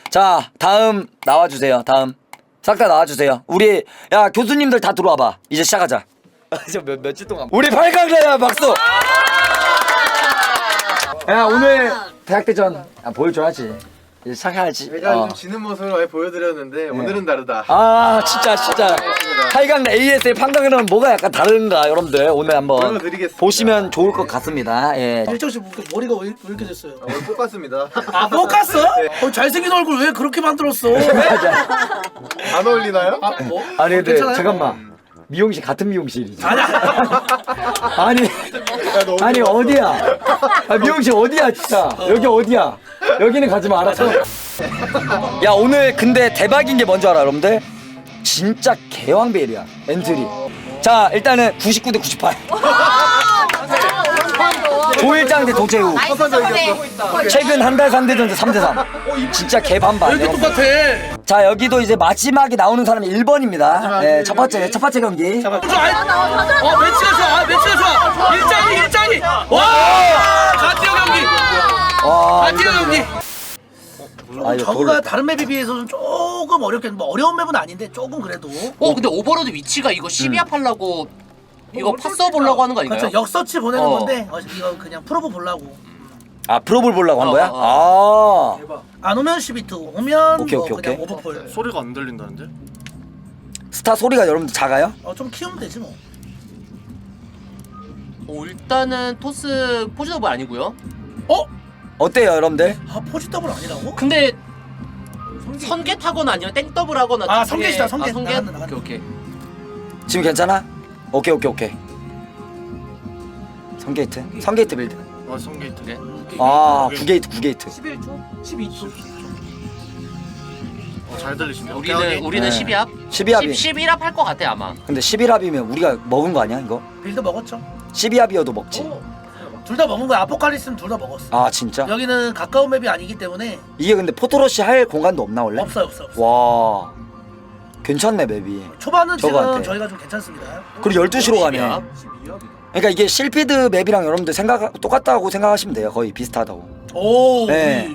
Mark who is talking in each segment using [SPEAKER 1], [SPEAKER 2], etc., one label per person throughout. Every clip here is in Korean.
[SPEAKER 1] 자, 다음 나와주세요. 다음 싹 다 나와주세요. 우리 야 교수님들 다 들어와봐. 이제 시작하자. 저 며칠 동안 우리 8강자야 박수. 야 오늘 대학대전 보여줘야지. 이제 시작해야지.
[SPEAKER 2] 제가 좀 지는 모습을 많이 보여드렸는데 오늘은 다르다.
[SPEAKER 1] 아 진짜 8강 ASL 판강이랑 뭐가 약간 다른가 여러분들 오늘 한번
[SPEAKER 2] 보여드리겠습니다.
[SPEAKER 1] 보시면 좋을 것 같습니다. 예.
[SPEAKER 3] 일정 씨 머리가 왜 이렇게 됐어요?
[SPEAKER 2] 오늘 뽑았습니다.
[SPEAKER 3] 아 뽑았어? 잘생긴 얼굴 왜 그렇게 만들었어?
[SPEAKER 2] 안 어울리나요?
[SPEAKER 3] 아 뭐?
[SPEAKER 1] 아니 근데
[SPEAKER 3] 괜찮아요?
[SPEAKER 1] 잠깐만 미용실 같은 미용실이지.
[SPEAKER 3] 아니야.
[SPEAKER 1] 아니 어디야? 아, 미용실 어디야 진짜? 여기 어디야? 여기는 가지 마 알았어? 야 오늘 근데 대박인 게 뭔지 알아 여러분들? 진짜 개왕벨이야 엔트리. 자 일단은 99대 98. 조일장 대 도재우. 최근 한 달 3대전에서 3대3. 진짜 개반반.
[SPEAKER 3] 이렇게 똑같아.
[SPEAKER 1] 자 여기도 이제 마지막에 나오는 사람이 1번입니다. 네, 첫 번째 경기.
[SPEAKER 3] 매치가 좋아. 매치가 좋아. 일장이. 와! 가티어 경기. 가티어 경기.
[SPEAKER 1] 아, 이거
[SPEAKER 3] 저거가 다른 맵에 비해서는 조금 어렵겠는데 뭐 어려운 맵은 아닌데 조금 그래도.
[SPEAKER 4] 근데 오버로드 위치가 이거 12합 하려고 이거 파서 보려고 하는 거 아닌가요?
[SPEAKER 3] 그렇죠. 역서치 보내는 건데 이거 그냥 프로브 보려고.
[SPEAKER 1] 아 프로볼 보려고 한 거야?
[SPEAKER 3] 안 오면 12투, 오면
[SPEAKER 1] 오케이,
[SPEAKER 3] 뭐
[SPEAKER 1] 오케이,
[SPEAKER 3] 그냥
[SPEAKER 1] 오케이.
[SPEAKER 3] 오버풀.
[SPEAKER 5] 소리가 안 들린다는데?
[SPEAKER 1] 스타 소리가 여러분들 작아요?
[SPEAKER 3] 좀 키우면 되지 뭐.
[SPEAKER 4] 일단은 토스 포지 더블 아니고요.
[SPEAKER 1] 어때요 여러분들?
[SPEAKER 3] 포지 더블 아니라고?
[SPEAKER 4] 근데 선계 타거나 아니면 땡 더블 하거나
[SPEAKER 3] 아,
[SPEAKER 4] 둘 중에-
[SPEAKER 3] 선계시다, 선계.
[SPEAKER 4] 선계?
[SPEAKER 3] 나간다.
[SPEAKER 4] 오케이.
[SPEAKER 1] 지금 괜찮아? 오케이 선게이트? 선게이트 빌드.
[SPEAKER 5] 아 성게이트.
[SPEAKER 4] 오케이.
[SPEAKER 1] 아 9게이트
[SPEAKER 3] 11초? 12초.
[SPEAKER 5] 잘 들리시네.
[SPEAKER 4] 우리는
[SPEAKER 1] 네.
[SPEAKER 4] 12합?
[SPEAKER 1] 12합이
[SPEAKER 4] 11합 할 것 같아 아마.
[SPEAKER 1] 근데 11합이면 우리가 먹은 거 아니야 이거?
[SPEAKER 3] 빌드 먹었죠?
[SPEAKER 1] 12합이어도 먹지.
[SPEAKER 3] 둘 다 먹은 거야. 아포칼리스는 둘 다 먹었어.
[SPEAKER 1] 아 진짜?
[SPEAKER 3] 여기는 가까운 맵이 아니기 때문에
[SPEAKER 1] 이게 근데 포토러시 할 공간도 없나 원래?
[SPEAKER 3] 없어요.
[SPEAKER 1] 와 괜찮네 맵이.
[SPEAKER 3] 초반은 지금
[SPEAKER 1] 저거한테.
[SPEAKER 3] 저희가 좀 괜찮습니다.
[SPEAKER 1] 그리고 12시로 가네.
[SPEAKER 4] 12합?
[SPEAKER 1] 그러니까 이게 실피드 맵이랑 여러분들 똑같다고 생각하시면 돼요. 거의 비슷하다고.
[SPEAKER 3] 오.
[SPEAKER 1] 네.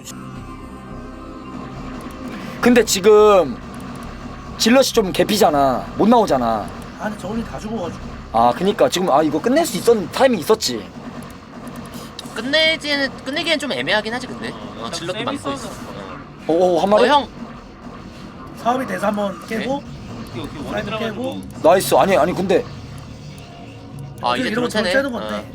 [SPEAKER 1] 근데 지금 질럿이 좀 개피잖아. 못 나오잖아.
[SPEAKER 3] 아니 저분이 다 죽어가지고.
[SPEAKER 1] 아 그니까 지금 이거 끝낼 수 있었는 타이밍 있었지.
[SPEAKER 4] 끝내기엔 좀 애매하긴 하지 근데. 질럿도 많고 있어.
[SPEAKER 1] 오 한 마리.
[SPEAKER 4] 형.
[SPEAKER 3] 사업이 돼서 한번 깨고. 사이드 깨고.
[SPEAKER 1] 나이스. 아니 근데
[SPEAKER 4] 이제
[SPEAKER 3] 이러면
[SPEAKER 4] 드론 차네.
[SPEAKER 3] 째는 건데.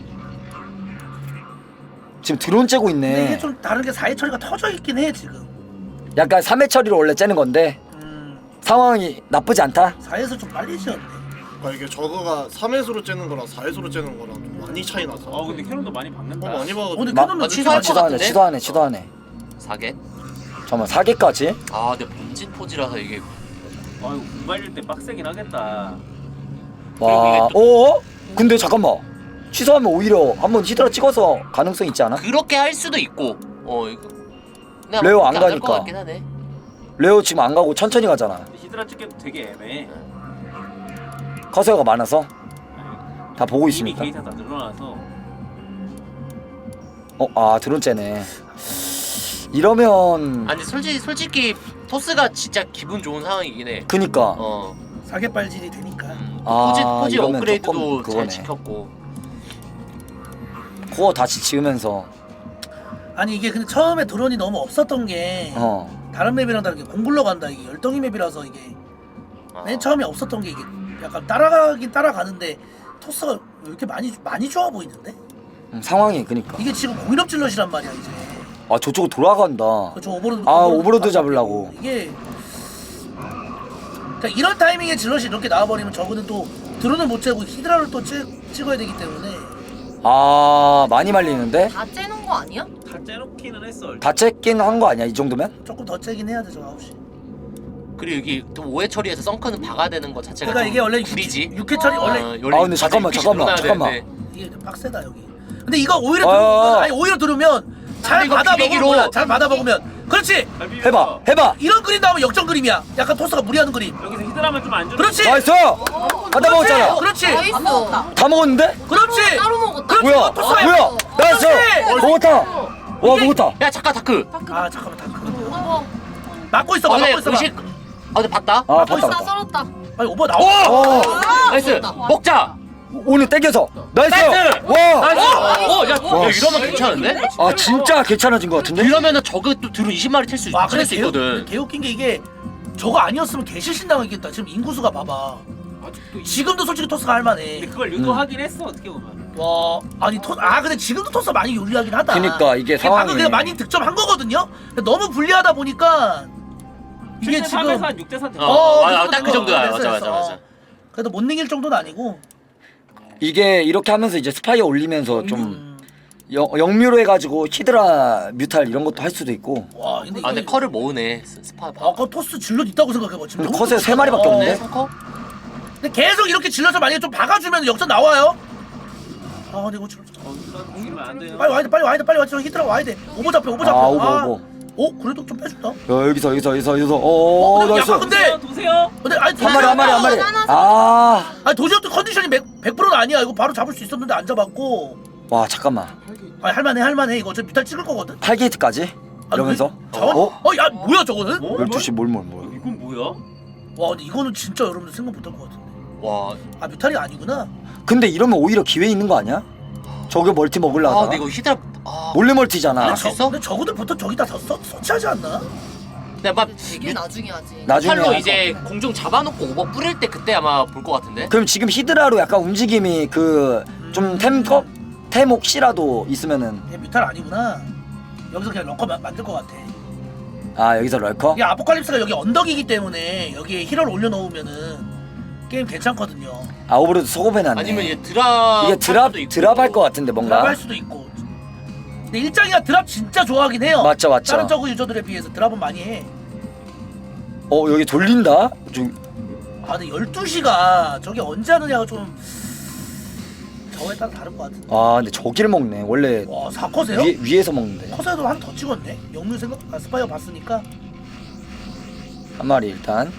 [SPEAKER 1] 지금 드론 째고
[SPEAKER 3] 근데 이게
[SPEAKER 1] 있네.
[SPEAKER 3] 좀 다른 게 4회 처리가 터져 있긴 해 지금.
[SPEAKER 1] 약간 3회 처리로 원래 째는 건데 상황이 나쁘지 않다.
[SPEAKER 3] 4회에서 좀 빨리 지었네.
[SPEAKER 5] 그러니까 이게 저거가 3회수로 째는 거랑 4회수로 째는 거랑 좀 많이 차이 나서.
[SPEAKER 6] 근데 캐논도 많이 박는다.
[SPEAKER 5] 많이 봐가지고.
[SPEAKER 3] 오늘
[SPEAKER 1] 마-
[SPEAKER 3] 캐논은
[SPEAKER 4] 취소할 것 같은데?
[SPEAKER 1] 치도하네.
[SPEAKER 4] 4개?
[SPEAKER 1] 잠깐만 4개까지?
[SPEAKER 4] 근데 본진 포지라서 이게
[SPEAKER 6] 아유 구발일 때 빡세긴 하겠다.
[SPEAKER 1] 와. 근데 잠깐만. 취소하면 오히려 한번 히드라 찍어서 가능성 있지 않아?
[SPEAKER 4] 그렇게 할 수도 있고. 이거 그냥
[SPEAKER 1] 레오 안
[SPEAKER 4] 그렇게 안할
[SPEAKER 1] 가니까.
[SPEAKER 4] 것 같긴 하네.
[SPEAKER 1] 레오 지금 안 가고 천천히 가잖아.
[SPEAKER 6] 근데 히드라 찍기도 되게 애매해.
[SPEAKER 1] 커세어가 많아서 다 보고
[SPEAKER 6] 이미
[SPEAKER 1] 있습니까?
[SPEAKER 6] 게이트가 다 늘어나서.
[SPEAKER 1] 드론 째네. 이러면
[SPEAKER 4] 아니 솔직히 토스가 진짜 기분 좋은 상황이긴 해.
[SPEAKER 1] 그니까
[SPEAKER 3] 사계 빨질이 되니까.
[SPEAKER 4] 포지
[SPEAKER 1] 이러면
[SPEAKER 4] 업그레이드도
[SPEAKER 1] 조금
[SPEAKER 4] 잘
[SPEAKER 1] 그거네.
[SPEAKER 4] 지켰고.
[SPEAKER 1] 코어 다시 지으면서
[SPEAKER 3] 아니 이게 근데 처음에 드론이 너무 없었던 게 다른 맵이랑 다르게 공굴러 간다. 이게 열덩이 맵이라서 이게 맨 처음에 없었던 게 이게 약간 따라가긴 따라가는데 토스가 왜 이렇게 많이 좋아 보이는데?
[SPEAKER 1] 상황이 그니까
[SPEAKER 3] 이게 지금 공인업 질럿이란 말이야 이제.
[SPEAKER 1] 저쪽으로 돌아간다.
[SPEAKER 3] 그렇죠. 오버로드.
[SPEAKER 1] 오버로드 잡으려고.
[SPEAKER 3] 이게 그러니까 이런 타이밍에 질럿이 이렇게 나와버리면 저거는 또 드론을 못 채고 히드라를 또 찍어야 되기 때문에.
[SPEAKER 1] 많이 말리는데?
[SPEAKER 7] 다 째는 거 아니야?
[SPEAKER 6] 다 째놓기는 했어.
[SPEAKER 1] 다 째긴 한 거 아니야 이 정도면?
[SPEAKER 3] 조금 더 째긴 해야 되죠 9시.
[SPEAKER 4] 그리고 여기 또 5회 처리해서 썬크는 박아야 되는 거 자체가
[SPEAKER 3] 그러니까 이게 원래
[SPEAKER 4] 불이지.
[SPEAKER 3] 6회 처리 원래
[SPEAKER 1] 근데 잠깐만.
[SPEAKER 3] 이게 좀 빡세다 여기. 근데 이거 오히려
[SPEAKER 1] 어.
[SPEAKER 3] 들어오면 아니 오히려 들으면 잘
[SPEAKER 4] 이거
[SPEAKER 3] 받아 먹으면
[SPEAKER 4] 기대기로.
[SPEAKER 3] 몰라. 잘 받아 먹으면 그렇지.
[SPEAKER 1] 해봐.
[SPEAKER 3] 이런 그림 나오면 역전 그림이야. 약간 토스가 무리하는 그림.
[SPEAKER 6] 여기서 히드라만 좀 안 주는.
[SPEAKER 3] 그렇지.
[SPEAKER 1] 나이스. 하다 먹었잖아.
[SPEAKER 3] 그렇지.
[SPEAKER 7] 나이스.
[SPEAKER 1] 다 먹었는데?
[SPEAKER 3] 그렇지.
[SPEAKER 7] 따로 먹었다.
[SPEAKER 3] 그렇지.
[SPEAKER 1] 뭐야?
[SPEAKER 3] 토스가
[SPEAKER 1] 뭐야? 나이스.
[SPEAKER 3] 그렇지.
[SPEAKER 1] 먹었다. 와 먹었다.
[SPEAKER 4] 야 잠깐 다크.
[SPEAKER 3] 아 잠깐만 다
[SPEAKER 7] 어,
[SPEAKER 3] 막고 있어 봐.
[SPEAKER 4] 근데
[SPEAKER 3] 막고 있어 봐.
[SPEAKER 4] 의식 근데 봤다.
[SPEAKER 1] 아
[SPEAKER 7] 썰었다
[SPEAKER 1] 봤다.
[SPEAKER 7] 썰었다.
[SPEAKER 3] 아니 오버 나와.
[SPEAKER 1] 어
[SPEAKER 4] 나이스. 먹자.
[SPEAKER 1] 오늘 땡겨서 나이스.
[SPEAKER 4] 나이스!
[SPEAKER 1] 와.
[SPEAKER 4] 나이스. 야
[SPEAKER 1] 와,
[SPEAKER 4] 이러면 괜찮은데?
[SPEAKER 1] 아 진짜 괜찮아진 것 같은데?
[SPEAKER 4] 이러면은 저거 또 드론 20마리 튈 수
[SPEAKER 3] 와 근데
[SPEAKER 4] 수 있거든.
[SPEAKER 3] 개웃긴 게 이게 저거 아니었으면 개실신 당하겠다. 지금 인구수가 봐봐.
[SPEAKER 6] 아직도
[SPEAKER 3] 지금도 솔직히 토스가
[SPEAKER 6] 근데
[SPEAKER 3] 할만해.
[SPEAKER 6] 그걸 유도하긴 했어 어떻게 보면.
[SPEAKER 3] 와 아니 근데 지금도 토스가 많이 유리하긴 하다.
[SPEAKER 1] 그니까 이게
[SPEAKER 3] 방금
[SPEAKER 1] 상황이
[SPEAKER 3] 그냥 많이 득점한 거거든요. 근데 너무 불리하다 보니까 이게
[SPEAKER 6] 7대
[SPEAKER 3] 지금
[SPEAKER 6] 3에서 한 6대 4 됐어.
[SPEAKER 4] 딱 그 정도야. 맞아.
[SPEAKER 3] 그래도 못 이길 정도는 아니고.
[SPEAKER 1] 이게 이렇게 하면서 이제 스파이어 올리면서 좀
[SPEAKER 3] 음.
[SPEAKER 1] 영묘로 해가지고 히드라 뮤탈 이런 것도 할 수도 있고.
[SPEAKER 3] 와 근데
[SPEAKER 4] 아 근데
[SPEAKER 3] 이거
[SPEAKER 4] 컬을 모으네. 스파.
[SPEAKER 3] 아까 토스 질럿 있다고 생각해봐 지금.
[SPEAKER 1] 근데
[SPEAKER 3] 너무
[SPEAKER 1] 컷에 세
[SPEAKER 3] 좋잖아.
[SPEAKER 1] 마리밖에 없네.
[SPEAKER 4] 성커?
[SPEAKER 3] 근데 계속 이렇게 질럿을 만약에 좀 박아주면 역전 나와요. 아 근데 이거 질럿
[SPEAKER 6] 공이면 안 돼요.
[SPEAKER 3] 빨리 와야 돼 빨리 저 히드라 와야 돼. 오버 잡혀.
[SPEAKER 1] 아 오버.
[SPEAKER 3] 그래도 좀 빼준다.
[SPEAKER 1] 여기서.
[SPEAKER 3] 근데
[SPEAKER 1] 나이스.
[SPEAKER 3] 약간 근데
[SPEAKER 6] 도세요.
[SPEAKER 3] 아니
[SPEAKER 1] 한 마리.
[SPEAKER 7] 하나
[SPEAKER 1] 아.
[SPEAKER 3] 아니 도시락도 컨디션이 100%는 아니야. 이거 바로 잡을 수 있었는데 안 잡았고.
[SPEAKER 1] 와 잠깐만.
[SPEAKER 3] 아니 할만해. 이거 어차피 뮤탈 찍을 거거든.
[SPEAKER 1] 8게이트까지 이러면서.
[SPEAKER 3] 자원? 야 뭐야 저거는?
[SPEAKER 1] 12시 뭘.
[SPEAKER 6] 이건 뭐야?
[SPEAKER 3] 와 근데 이거는 진짜 여러분들 생각 못할 것 같은데.
[SPEAKER 4] 와.
[SPEAKER 3] 아 뮤탈이 아니구나.
[SPEAKER 1] 근데 이러면 오히려 기회 있는 거 아니야? 저게 멀티
[SPEAKER 4] 아
[SPEAKER 1] 먹으려다가
[SPEAKER 4] 근데 이거 히드라. 아.
[SPEAKER 1] 몰래 멀티잖아.
[SPEAKER 4] 할 수 있어?
[SPEAKER 3] 근데 저거들 보통 저기다 다 서치하지 않나?
[SPEAKER 4] 근데 막
[SPEAKER 7] 되게 나중에 하지.
[SPEAKER 1] 나중에
[SPEAKER 4] 팔로
[SPEAKER 1] 할
[SPEAKER 4] 이제 공중 잡아놓고 오버 뿌릴 때 그때 아마 볼 것 같은데.
[SPEAKER 1] 그럼 지금 히드라로 약간 움직임이 그 좀 템 혹시라도 있으면은
[SPEAKER 3] 얘 뮤탈 아니구나. 여기서 그냥 럭커 만들 것 같아.
[SPEAKER 1] 아 여기서 럴커?
[SPEAKER 3] 이게 아포칼립스가 여기 언덕이기 때문에 여기에 힐을 올려놓으면은 게임 괜찮거든요.
[SPEAKER 1] 아 오버로드 소급해놨네.
[SPEAKER 4] 아니면 얘 드랍.
[SPEAKER 1] 이게
[SPEAKER 4] 할 수도 있고.
[SPEAKER 1] 드랍할 것 같은데
[SPEAKER 3] 드랍
[SPEAKER 1] 뭔가.
[SPEAKER 3] 할 수도 있고. 근데 일장이가 드랍 진짜 좋아하긴 해요.
[SPEAKER 1] 맞죠.
[SPEAKER 3] 다른 저그 유저들에 비해서 드랍은 많이 해.
[SPEAKER 1] 여기 돌린다. 좀
[SPEAKER 3] 아 근데 12시가 저게 언제 하느냐가 좀 저거에 따라 다를 것 같은데.
[SPEAKER 1] 아 근데 저기를 먹네. 원래
[SPEAKER 3] 와 4컷에요?
[SPEAKER 1] 위에서 먹는데.
[SPEAKER 3] 컷에도 한 더 찍었네. 영유 생각 스파이어 봤으니까.
[SPEAKER 1] 한 마리 일단.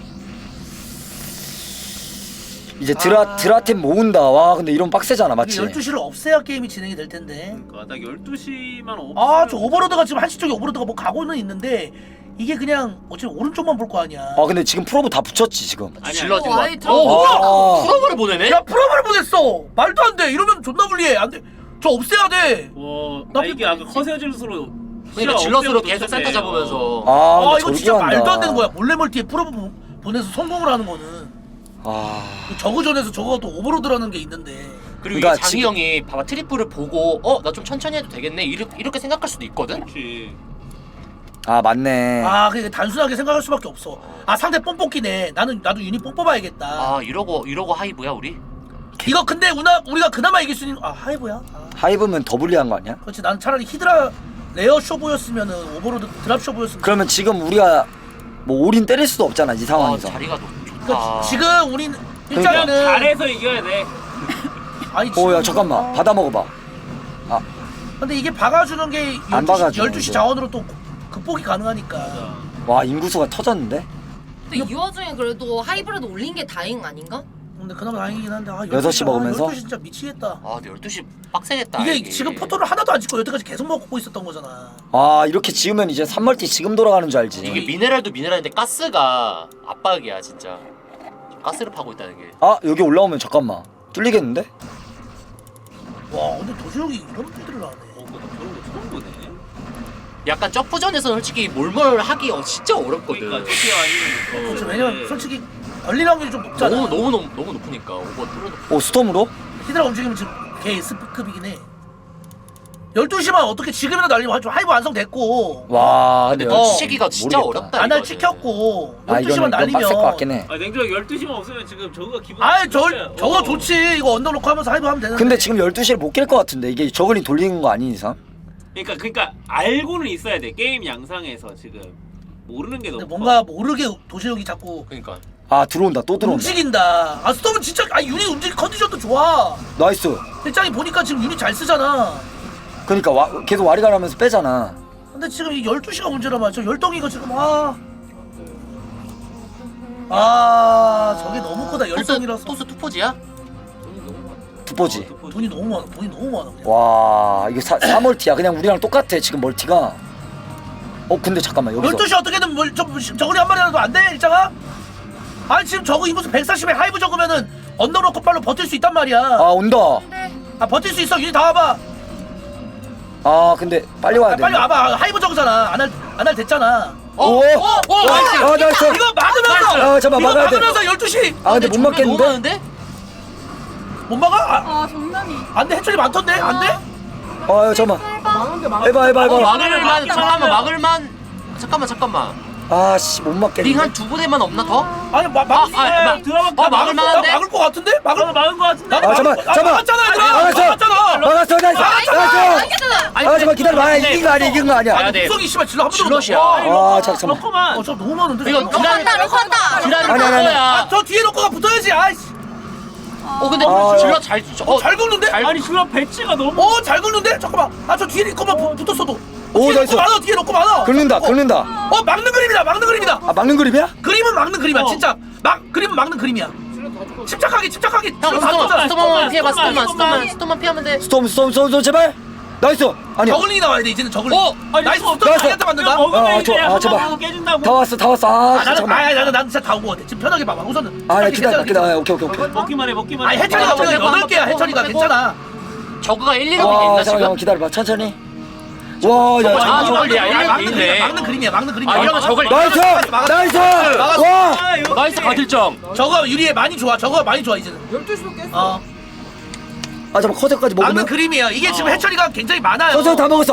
[SPEAKER 1] 이제 드라템 모은다. 와 근데 이런 빡세잖아, 맞지?
[SPEAKER 3] 이게 12시를 없애야 게임이 진행이 될 텐데.
[SPEAKER 6] 그러니까 딱 12시만 없으면
[SPEAKER 3] 아 저 오버로드가 지금 한시 쪽에 오버로드가 뭐 가고는 있는데 이게 그냥 어차피 오른쪽만 볼 거 아니야.
[SPEAKER 1] 아 근데 지금 프로브 다 붙였지 지금.
[SPEAKER 6] 아니,
[SPEAKER 4] 질러 지금.
[SPEAKER 7] 아예
[SPEAKER 1] 아.
[SPEAKER 4] 프로브를 보내네.
[SPEAKER 3] 야 프로브를 보냈어. 말도 안 돼. 이러면 존나 불리해. 안 돼. 저 없애야 돼.
[SPEAKER 6] 와, 이게 아까 커세어질수로
[SPEAKER 4] 그러니까 질럿으로 계속 센터 잡으면서.
[SPEAKER 1] 아
[SPEAKER 3] 아
[SPEAKER 1] 근데
[SPEAKER 3] 이거
[SPEAKER 1] 저렇게
[SPEAKER 3] 진짜
[SPEAKER 1] 한다.
[SPEAKER 3] 말도 안 되는 거야. 몰래 멀티에 프로브 보내서 성공을 하는 거는.
[SPEAKER 1] 아
[SPEAKER 3] 저그전에서 저거가 또 오버로드라는 게 있는데.
[SPEAKER 4] 그리고
[SPEAKER 1] 그러니까
[SPEAKER 4] 이게 장희 형이 봐봐 트리플을 보고 나 좀 천천히 해도 되겠네 이렇게 생각할 수도 있거든.
[SPEAKER 6] 그렇지.
[SPEAKER 1] 아 맞네.
[SPEAKER 3] 아 그게 단순하게 생각할 수밖에 없어. 아 상대 뽕뽑기네. 나도 유닛 뽕 뽑아야겠다.
[SPEAKER 4] 아 이러고 하이브야 우리.
[SPEAKER 3] 이거 근데 우리가 그나마 이길 수 있는 하이브야. 아,
[SPEAKER 1] 하이브면 더 불리한 거 아니야?
[SPEAKER 3] 그렇지. 나는 차라리 히드라 레어 쇼보였으면은 오버로드 드랍 쇼보였으면.
[SPEAKER 1] 그러면 지금 우리가 뭐 올인 때릴 수도 없잖아 이
[SPEAKER 4] 아
[SPEAKER 1] 상황에서.
[SPEAKER 4] 자리가
[SPEAKER 3] 그러니까
[SPEAKER 4] 좋다.
[SPEAKER 3] 지금 우린
[SPEAKER 1] 그러니까.
[SPEAKER 3] 일단은
[SPEAKER 6] 잘해서 이겨야 돼.
[SPEAKER 3] 아니
[SPEAKER 1] 야 잠깐만 받아 먹어봐.
[SPEAKER 3] 근데 이게 박아주는 게
[SPEAKER 1] 안
[SPEAKER 3] 12시,
[SPEAKER 1] 박아주네,
[SPEAKER 3] 12시
[SPEAKER 1] 이거.
[SPEAKER 3] 자원으로 또 극복이 가능하니까.
[SPEAKER 1] 와 인구수가 터졌는데?
[SPEAKER 7] 근데 이 와중에 그래도 하이브라도 올린 게 다행 아닌가?
[SPEAKER 3] 근데 그나마 다행이긴 한데
[SPEAKER 1] 6시 먹으면서?
[SPEAKER 3] 12시 진짜 미치겠다.
[SPEAKER 4] 아 근데 12시 빡세겠다.
[SPEAKER 3] 이게 지금 포토를 하나도 안 찍고 여태까지 계속 먹고 있었던 거잖아.
[SPEAKER 1] 아 이렇게 지으면 이제 3멀티 지금 돌아가는 줄 알지.
[SPEAKER 4] 이게 미네랄도 미네랄인데 가스가 압박이야 진짜. 가스를 파고 있다는 게.
[SPEAKER 1] 아 여기 올라오면 잠깐만 뚫리겠는데?
[SPEAKER 3] 와 근데 도시록이 이런 빌드를 하네.
[SPEAKER 6] 저런 거 처음 보네.
[SPEAKER 4] 약간 점프전에서 솔직히 몰몰 하기 진짜 어렵거든.
[SPEAKER 6] 그러니까 저게 아니면
[SPEAKER 3] 그렇죠. 왜냐면 솔직히 걸릴 확률이 좀 높잖아.
[SPEAKER 4] 너무 높으니까 오버 뚫어놓고.
[SPEAKER 1] 오 스톰으로?
[SPEAKER 3] 히드라 움직이면 지금 개 S급이긴 해. 12시만 어떻게 지금이라도 날리면 좀 하이브 완성됐고
[SPEAKER 1] 와 근데
[SPEAKER 4] 근데
[SPEAKER 3] 어,
[SPEAKER 4] 치기가 진짜
[SPEAKER 1] 모르겠다.
[SPEAKER 4] 어렵다.
[SPEAKER 3] 안할
[SPEAKER 4] 이거는.
[SPEAKER 3] 찍혔고
[SPEAKER 1] 아
[SPEAKER 3] 12시만
[SPEAKER 1] 이건
[SPEAKER 3] 날리면
[SPEAKER 1] 빡셀 것 같긴 해.
[SPEAKER 6] 아 냉정하게 12시만 없으면 지금 저거가 기분.
[SPEAKER 3] 저거 좋지. 이거 언더 놓고 하면서 하이브 하면 되는데.
[SPEAKER 1] 근데 지금 12시를 못 깰 것 같은데 이게 저글이 돌리는 거 아닌 이상?
[SPEAKER 6] 그러니까 알고는 있어야 돼. 게임 양상에서 지금 모르는 게
[SPEAKER 3] 근데
[SPEAKER 6] 너무.
[SPEAKER 3] 뭔가 모르게 도시록이 자꾸
[SPEAKER 4] 그러니까.
[SPEAKER 1] 아 들어온다 또 들어온다.
[SPEAKER 3] 움직인다. 아 스톰은 진짜 유닛 움직임 컨디션도 좋아.
[SPEAKER 1] 나이스.
[SPEAKER 3] 일장이 보니까 지금 유닛 잘 쓰잖아.
[SPEAKER 1] 그러니까 계속 와리가라면서 빼잖아.
[SPEAKER 3] 근데 지금 이 12시가 문제란 말이야. 저 열덩이가 지금 저게 너무 크다. 열덩이라서
[SPEAKER 4] 토스 투포지야?
[SPEAKER 1] 두포지.
[SPEAKER 3] 돈이 너무 많아. 그냥.
[SPEAKER 1] 와 이게 4멀티야. 그냥 우리랑 똑같아 지금 멀티가. 근데 잠깐만 여기서
[SPEAKER 3] 12시 어떻게든 저거리 한 마리라도 안 돼? 일장아? 아니 지금 저거 인구수 140에 하이브 적으면은 언더로커 팔로 버틸 수 있단 말이야.
[SPEAKER 1] 온다.
[SPEAKER 3] 아 버틸 수 있어. 유닛 다 와봐.
[SPEAKER 1] 근데 빨리 와야 돼.
[SPEAKER 3] 빨리 와봐. 하이브 적잖아. 안 할 됐잖아.
[SPEAKER 1] 나이스.
[SPEAKER 3] 이거 막으면서
[SPEAKER 1] 잠깐만,
[SPEAKER 3] 이거
[SPEAKER 1] 막아야 돼.
[SPEAKER 3] 막으면서 12시
[SPEAKER 1] 근데 못
[SPEAKER 4] 너무
[SPEAKER 1] 맞겠는데?
[SPEAKER 4] 많은데?
[SPEAKER 3] 못 막아?
[SPEAKER 8] 장난이.
[SPEAKER 3] 안돼. 해철이 많던데? 안돼?
[SPEAKER 1] 잠깐만. 해봐.
[SPEAKER 4] 막을만 잠깐만 잠깐만
[SPEAKER 1] 씨, 못 맞겠는데.
[SPEAKER 4] 링 한 두 부대만 없나 더?
[SPEAKER 3] 아니 막을 수 있어.
[SPEAKER 6] 들어가
[SPEAKER 4] 막을 만한데?
[SPEAKER 3] 막을 것 같은데? 막을
[SPEAKER 6] 막은 거 같은데?
[SPEAKER 1] 잠깐만.
[SPEAKER 3] 막았잖아 얘들아. 막았잖아.
[SPEAKER 1] 막았어. 나이스. 잠깐만 기다려봐. 이긴 거 아니야.
[SPEAKER 4] 가야 돼.
[SPEAKER 3] 구성이 씨발 질러 한 번도
[SPEAKER 4] 질럿이야.
[SPEAKER 1] 잠깐만.
[SPEAKER 6] 넣고만.
[SPEAKER 3] 저 너무 많은데.
[SPEAKER 4] 이거 드라이
[SPEAKER 1] 아니.
[SPEAKER 4] 거야.
[SPEAKER 3] 저 뒤에 놓고가 붙어야지. 아이씨.
[SPEAKER 4] 근데 질럿 잘
[SPEAKER 3] 잘 긁는데?
[SPEAKER 6] 아니 그럼 배치가 너무
[SPEAKER 3] 잘 긁는데? 잠깐만. 저 뒤에 있고만 붙었어도.
[SPEAKER 1] 오, 나이스.
[SPEAKER 3] 뒤에 놓고 많아.
[SPEAKER 1] 긁는다.
[SPEAKER 3] 막는 그림이다. 막는 그림이다.
[SPEAKER 1] 막는 그림이야?
[SPEAKER 3] 그림은 막는 그림이야. 진짜. 그림은 막는 그림이야. 침착하게.
[SPEAKER 4] 형 스톰만 피해봐. 스톰만 피하면 돼.
[SPEAKER 1] 스톰 제발. 나이스. 아니야.
[SPEAKER 3] 저글링이 나와야 돼. 이제는 저글링.
[SPEAKER 6] 아니,
[SPEAKER 3] 나이스.
[SPEAKER 6] 스톰.
[SPEAKER 3] 스톰 자기한테 맞는다.
[SPEAKER 6] 먹으면 이제
[SPEAKER 1] 제발.
[SPEAKER 6] 한번 깨진다고.
[SPEAKER 1] 다 왔어. 잠깐만.
[SPEAKER 3] 나는 진짜 다 온 거 같아. 지금 편하게 봐봐. 우선은.
[SPEAKER 1] 기다려. 오케이.
[SPEAKER 6] 먹기만 해.
[SPEAKER 3] 아니 해철이가 우리가 8개야. 해철이가 괜찮아.
[SPEAKER 4] 저그가 1, 2로
[SPEAKER 1] 잠깐만
[SPEAKER 4] 있나 지금?
[SPEAKER 1] 기다려봐. 천천히. 야.
[SPEAKER 4] 저글링이야.
[SPEAKER 3] 막는 그림이야.
[SPEAKER 4] 이러면 저걸
[SPEAKER 1] 나이스. 와.
[SPEAKER 4] 나이스 가til정.
[SPEAKER 3] 저거 유리에 많이 좋아. 이제는.
[SPEAKER 8] 12시로 깼어.
[SPEAKER 1] 잠깐만 커세까지
[SPEAKER 3] 막는
[SPEAKER 1] 먹으면.
[SPEAKER 3] 그림이야. 이게 지금 해철이가 굉장히 많아요.
[SPEAKER 1] 커세 다 먹었어.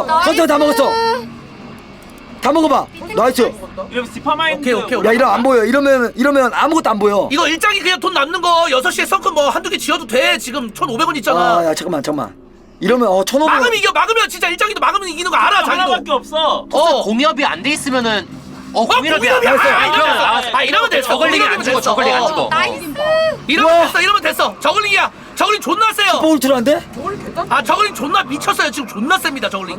[SPEAKER 1] 다 먹어봐. 나이스.
[SPEAKER 6] 이러면 스파마인드.
[SPEAKER 3] 오케이.
[SPEAKER 1] 야 이러면 안 보여. 이러면 아무것도 안 보여.
[SPEAKER 3] 이거 일장이 그냥 돈 남는 거 6시에 썬큰 뭐 한두 개 지어도 돼. 지금 1,500원 있잖아.
[SPEAKER 1] 야 잠깐만. 이러면 1,500원.
[SPEAKER 3] 막으면 진짜 일장이도 막으면 이기는 거 알아. 자기도.
[SPEAKER 6] 하나밖에 없어.
[SPEAKER 4] 공협이 안 돼 있으면은 공협이
[SPEAKER 3] 공협이야. 이러면 돼.
[SPEAKER 4] 저글링이 안 죽어. 저글링 안 죽어.
[SPEAKER 3] 이러면 됐어. 저글링이야. 저글링 존나 세요.
[SPEAKER 1] 슈퍼울트라인데?
[SPEAKER 3] 저글링 존나 미쳤어요. 지금 존나 셉니다. 저글링.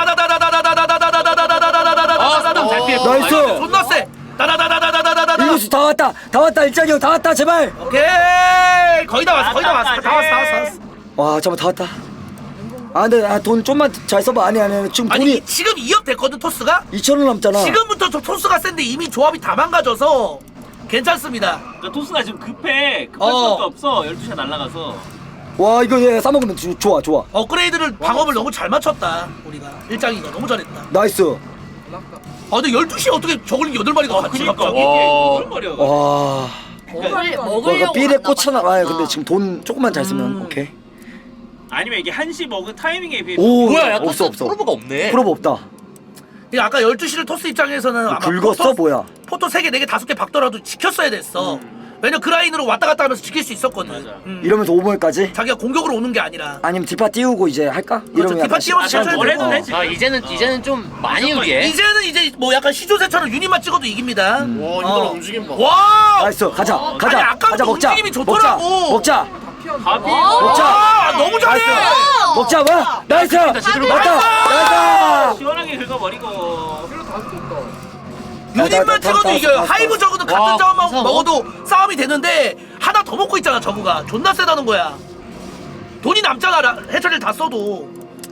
[SPEAKER 1] 나이스.
[SPEAKER 3] 존나 세.
[SPEAKER 1] 이거수 다 왔다. 일장이 형 다 왔다. 제발.
[SPEAKER 3] 오케이. 거의 다 왔어. 다 왔어.
[SPEAKER 1] 와 잠깐만 다 왔다. 근데 돈 좀만 잘 써봐. 아니 지금
[SPEAKER 3] 아니
[SPEAKER 1] 돈이
[SPEAKER 3] 지금 2억 됐거든 토스가.
[SPEAKER 1] 2,000원 남잖아.
[SPEAKER 3] 지금부터 저 토스가 센데 이미 조합이 다 망가져서 괜찮습니다.
[SPEAKER 6] 그러니까 토스가 지금 급할 수밖에 없어. 12시가 날아가서.
[SPEAKER 1] 와 이거 싸먹으면 좋아.
[SPEAKER 3] 업그레이드를 방업을 너무 잘 맞췄다. 우리가 일장이가 너무 잘했다.
[SPEAKER 1] 나이스.
[SPEAKER 3] 근데 12시에 어떻게 저글링 8마리가 같이
[SPEAKER 6] 그러니까
[SPEAKER 3] 갑자기?
[SPEAKER 6] 이게 말이야.
[SPEAKER 1] 와.
[SPEAKER 7] 먹으려고
[SPEAKER 1] 삐에
[SPEAKER 7] 한다,
[SPEAKER 1] 꽂혀나.
[SPEAKER 7] 맞다.
[SPEAKER 1] 근데 지금 돈 조금만 잘 쓰면 오케이.
[SPEAKER 6] 아니면 이게 1시 먹은 타이밍에 비해
[SPEAKER 1] 오
[SPEAKER 4] 뭐야? 야,
[SPEAKER 1] 없어.
[SPEAKER 4] 프로브가 없네.
[SPEAKER 1] 프로브 없다.
[SPEAKER 3] 그러니까 아까 12시를 토스 입장에서는 아마
[SPEAKER 1] 긁었어 뭐야?
[SPEAKER 3] 포토 3개, 4개, 5개 박더라도 지켰어야 됐어. 왜냐면 그 라인으로 왔다 갔다 하면서 지킬 수 있었거든.
[SPEAKER 6] 맞아.
[SPEAKER 1] 이러면서 5몰까지?
[SPEAKER 3] 자기가 공격으로 오는 게 아니라.
[SPEAKER 1] 아니면 디파 띄우고 이제 할까? 이러면
[SPEAKER 3] 디파
[SPEAKER 1] 약간
[SPEAKER 3] 띄워서
[SPEAKER 1] 시간
[SPEAKER 3] 천천히
[SPEAKER 1] 좀
[SPEAKER 6] 원래도
[SPEAKER 1] 돼.
[SPEAKER 6] 되지.
[SPEAKER 4] 이제는 좀 많이 유리해.
[SPEAKER 3] 이제는 이제 뭐 약간 시조새처럼 유닛만 찍어도 이깁니다.
[SPEAKER 5] 와 이거 움직임 봐.
[SPEAKER 3] 와!
[SPEAKER 1] 나이스. 가자.
[SPEAKER 3] 아니, 아까부터
[SPEAKER 1] 먹자.
[SPEAKER 3] 움직임이 좋더라고.
[SPEAKER 1] 먹자.
[SPEAKER 6] 밥이
[SPEAKER 3] 와! 너무 잘해!
[SPEAKER 1] 먹자. 와. 나이스.
[SPEAKER 4] 제대로
[SPEAKER 1] 맞다.
[SPEAKER 6] 시원하게 긁어버리고.
[SPEAKER 3] 유닛만 찍어도
[SPEAKER 1] 다
[SPEAKER 3] 이겨요.
[SPEAKER 1] 왔어.
[SPEAKER 3] 하이브 저그는
[SPEAKER 4] 와,
[SPEAKER 3] 같은 자원만
[SPEAKER 4] 무서워.
[SPEAKER 3] 먹어도 싸움이 되는데 하나 더 먹고 있잖아 저그가. 존나 세다는 거야. 돈이 남잖아 해처리를 다 써도.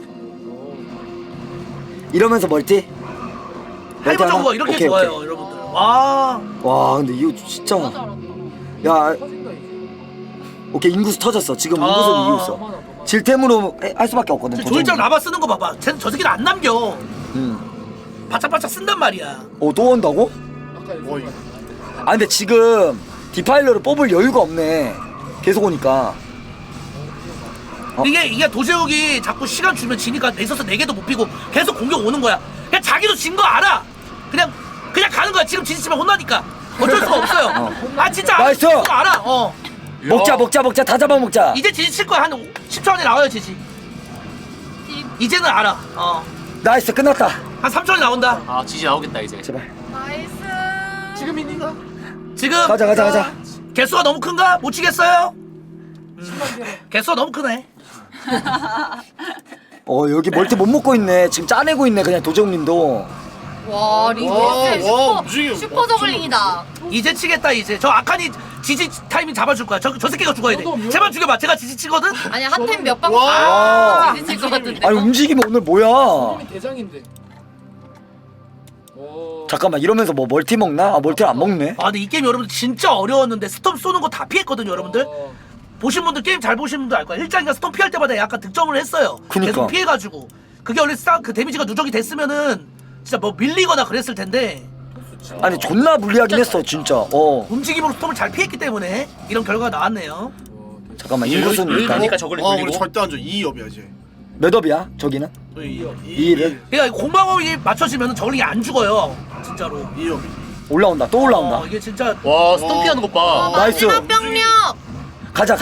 [SPEAKER 1] 이러면서 멀티.
[SPEAKER 3] 하이브
[SPEAKER 1] 하나?
[SPEAKER 3] 저그가 이렇게
[SPEAKER 1] 오케이,
[SPEAKER 3] 좋아요
[SPEAKER 1] 오케이.
[SPEAKER 3] 여러분들. 와.
[SPEAKER 1] 와 근데 이거 진짜. 야. 오케이 인구수 터졌어. 지금 인구수는 이기고 있어. 질템으로 할 수밖에 없거든.
[SPEAKER 3] 조일장 라바 쓰는 거 봐봐. 저 새끼는 안 남겨. 바짝바짝 쓴단 말이야.
[SPEAKER 1] 또 온다고? 근데 지금 디파일러를 뽑을 여유가 없네. 계속 오니까.
[SPEAKER 3] 이게 도재욱이 자꾸 시간 주면 지니까 넥서스 4개도 못 피고 계속 공격 오는 거야. 그냥 자기도 진 거 알아. 그냥 가는 거야. 지금 지지치면 혼나니까 어쩔 수가 없어요. 진짜
[SPEAKER 1] 나이스.
[SPEAKER 3] 알아.
[SPEAKER 1] 먹자. 다 잡아먹자.
[SPEAKER 3] 이제 지지칠 거야. 한 10초 안에 나와요 지지. 이제는 알아.
[SPEAKER 1] 나이스 끝났다.
[SPEAKER 3] 한 3초 안에 나온다.
[SPEAKER 4] 지지 나오겠다 이제.
[SPEAKER 1] 제발.
[SPEAKER 8] 나이스.
[SPEAKER 3] 지금
[SPEAKER 1] 가자.
[SPEAKER 3] 개수가 너무 큰가? 못 치겠어요? 개수가 너무 크네.
[SPEAKER 1] 여기 멀티 못 먹고 있네. 지금 짜내고 있네. 그냥 도재욱님도.
[SPEAKER 7] 와 리즈
[SPEAKER 5] 와, 움직임.
[SPEAKER 7] 슈퍼 저글링이다.
[SPEAKER 3] 이제 치겠다 이제. 저 아칸이 지지 타이밍 잡아줄 거야. 저 새끼가 죽어야 돼. 제발 죽여봐. 제가 지지 치거든.
[SPEAKER 7] 아니 핫템 몇방
[SPEAKER 1] 와.
[SPEAKER 7] 지지칠 것 같은데.
[SPEAKER 1] 아니 움직임이 오늘 뭐야?
[SPEAKER 8] 대장인데.
[SPEAKER 1] 잠깐만 이러면서 뭐 멀티 먹나? 아 멀티 안 먹네.
[SPEAKER 3] 아 근데 이 게임 여러분들 진짜 어려웠는데 스톰 쏘는 거 다 피했거든요 여러분들. 보신 분들 게임 잘 보신 분들 알 거야. 일장이가 스톰 피할 때마다 약간 득점을 했어요.
[SPEAKER 1] 그니까.
[SPEAKER 3] 계속 피해가지고 그게 원래 그 데미지가 누적이 됐으면은 진짜 뭐 밀리거나 그랬을 텐데
[SPEAKER 1] 아니 존나 불리하긴 했어 진짜.
[SPEAKER 3] 움직임으로 스톰을 잘 피했기 때문에 이런 결과가 나왔네요.
[SPEAKER 1] 잠깐만 인구수는
[SPEAKER 4] 여기
[SPEAKER 1] 일단
[SPEAKER 4] 가니까 저걸
[SPEAKER 5] 와 우리
[SPEAKER 4] 돌리고.
[SPEAKER 5] 절대 안 줘. 2업이야 이제.
[SPEAKER 1] 몇 업이야 저기는?
[SPEAKER 5] 저희
[SPEAKER 1] 2를
[SPEAKER 3] 그러니까 공방업이 맞춰지면 저글링이 안 죽어요. 진짜로.
[SPEAKER 5] 2업이.
[SPEAKER 1] 올라온다 또 올라온다.
[SPEAKER 3] 이게 진짜
[SPEAKER 4] 와 스톰피하는 것 봐.
[SPEAKER 1] 나이스.
[SPEAKER 7] 마지막 병력.
[SPEAKER 1] 가자.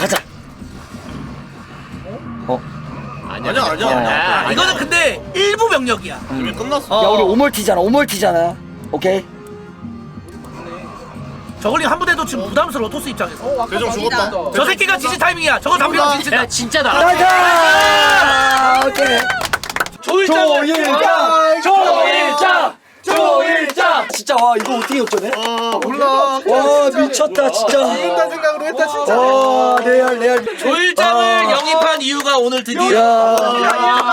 [SPEAKER 5] 아니야.
[SPEAKER 3] 이거는 근데 일부 병력이야.
[SPEAKER 5] 이미 끝났어.
[SPEAKER 1] 야 우리 오멀티잖아. 오케이.
[SPEAKER 3] 저글링 한 부대도 지금 부담스러워 토스 입장에서.
[SPEAKER 5] 대정 죽었다.
[SPEAKER 3] 저 새끼가 지지 타이밍이야. 저거 담비면 지진다.
[SPEAKER 4] 야 진짜다.
[SPEAKER 1] 가자. 오케이. 조일장. 진짜 와 이거 어떻게 역전해?
[SPEAKER 2] 아 몰라.
[SPEAKER 1] 와 미쳤다 진짜.
[SPEAKER 2] 이긴다 생각으로 했다 진짜.
[SPEAKER 1] 와 레알.
[SPEAKER 3] 조일장을 영입한 이유가 오늘 드디어
[SPEAKER 1] 야.